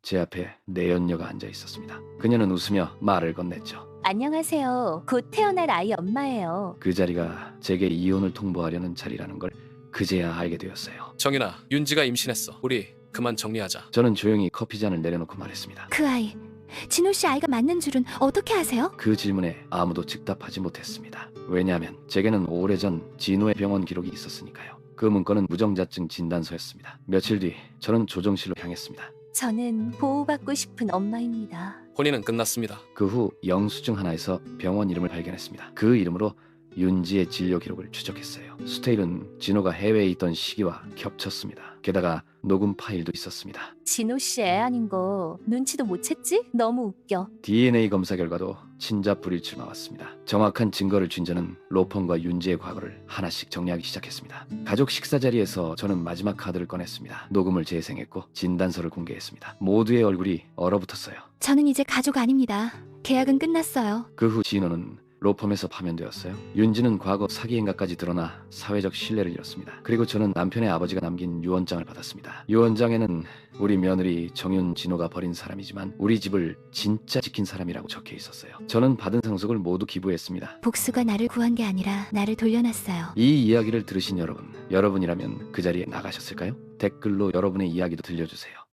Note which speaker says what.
Speaker 1: 제 앞에 내연녀가 앉아 있었습니다. 그녀는 웃으며 말을 건넸죠.
Speaker 2: 안녕하세요. 곧 태어날 아이 엄마예요.
Speaker 1: 그 자리가 제게 이혼을 통보하려는 자리라는 걸 그제야 알게 되었어요.
Speaker 3: 정인아, 윤지가 임신했어. 우리 그만 정리하자.
Speaker 1: 저는 조용히 커피잔을 내려놓고 말했습니다.
Speaker 2: 그 아이, 진호 씨 아이가 맞는 줄은 어떻게 아세요?
Speaker 1: 그 질문에 아무도 즉답하지 못했습니다. 왜냐하면 제게는 오래전 진호의 병원 기록이 있었으니까요. 그 문건은 무정자증 진단서였습니다. 며칠 뒤 저는 조정실로 향했습니다.
Speaker 2: 저는 보호받고 싶은 엄마입니다.
Speaker 3: 혼인은 끝났습니다.
Speaker 1: 그 후 영수증 하나에서 병원 이름을 발견했습니다. 그 이름으로 윤지의 진료 기록을 추적했어요. 스테일은 진호가 해외에 있던 시기와 겹쳤습니다. 게다가 녹음 파일도 있었습니다.
Speaker 2: 진호 씨 애 아닌 거 눈치도 못 챘지? 너무 웃겨.
Speaker 1: DNA 검사 결과도 친자 불일치 나왔습니다. 정확한 증거를 쥔 저는 로펌과 윤지의 과거를 하나씩 정리하기 시작했습니다. 가족 식사 자리에서 저는 마지막 카드를 꺼냈습니다. 녹음을 재생했고 진단서를 공개했습니다. 모두의 얼굴이 얼어붙었어요.
Speaker 2: 저는 이제 가족 아닙니다. 계약은 끝났어요.
Speaker 1: 그 후 진호는 로펌에서 파면되었어요. 윤지는 과거 사기 행각까지 드러나 사회적 신뢰를 잃었습니다. 그리고 저는 남편의 아버지가 남긴 유언장을 받았습니다. 유언장에는 우리 며느리 정윤 진호가 버린 사람이지만 우리 집을 진짜 지킨 사람이라고 적혀 있었어요. 저는 받은 상속을 모두 기부했습니다.
Speaker 2: 복수가 나를 구한 게 아니라 나를 돌려놨어요.
Speaker 1: 이 이야기를 들으신 여러분이라면 그 자리에 나가셨을까요? 댓글로 여러분의 이야기도 들려주세요.